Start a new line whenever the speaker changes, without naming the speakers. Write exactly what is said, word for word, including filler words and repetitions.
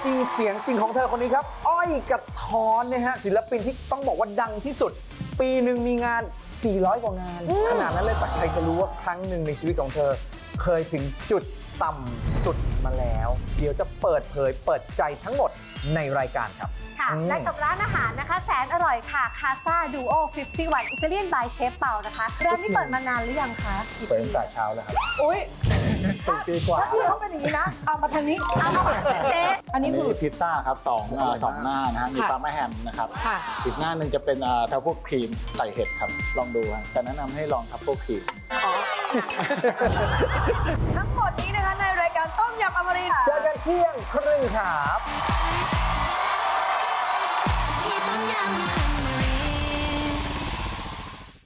จริงเสียงจริงของเธอคนนี้ครับอ้อยกระท้อนนะฮะศิลปินที่ต้องบอกว่าดังที่สุดปีหนึ่งมีงานสี่ร้อยกว่างานขนาดนั้นเลยแต่ใครจะรู้ว่าครั้งหนึ่งในชีวิตของเธอเคยถึงจุดต่ำสุดมาแล้วเดี๋ยวจะเปิดเผยเปิดใจทั้งหมดในรายการครับ
ค่ะและกับร้านอาหารนะคะแสนอร่อยค่ะคาซาดูโอห้าสิบเอ็ดอิตาเลียนบายเชฟเปานะคะร้านนี้เปิดมานานหรือยังคะ
เปิดตั้งแต่เช้าแล้วครับ
อุ้ย
สี่ปีกว่า
ถ้าพี่เขาเป็นอย่างนี้นะ เอามาทางนี้
เอาเจ๊
อันนี้
อัน
คื
นี้
อ
พิซซ่าครับสองเอ่อสองหน้านะฮะมี
ค่ะ
ปลาแม่แฮมนะครับ
ค่ะ
อีกหน้าหนึ่งจะเป็นทัฟเฟิลครีมใส่เห็ดครับลองดูฮะแต่แนะนำให้ลองทัฟเฟิลครีม
ทั้งหมดนี้นะคะในรายการต้มยำอมรินทร์
เจอกันเที่ยงครึ่งครับ
ที่ต้มยำ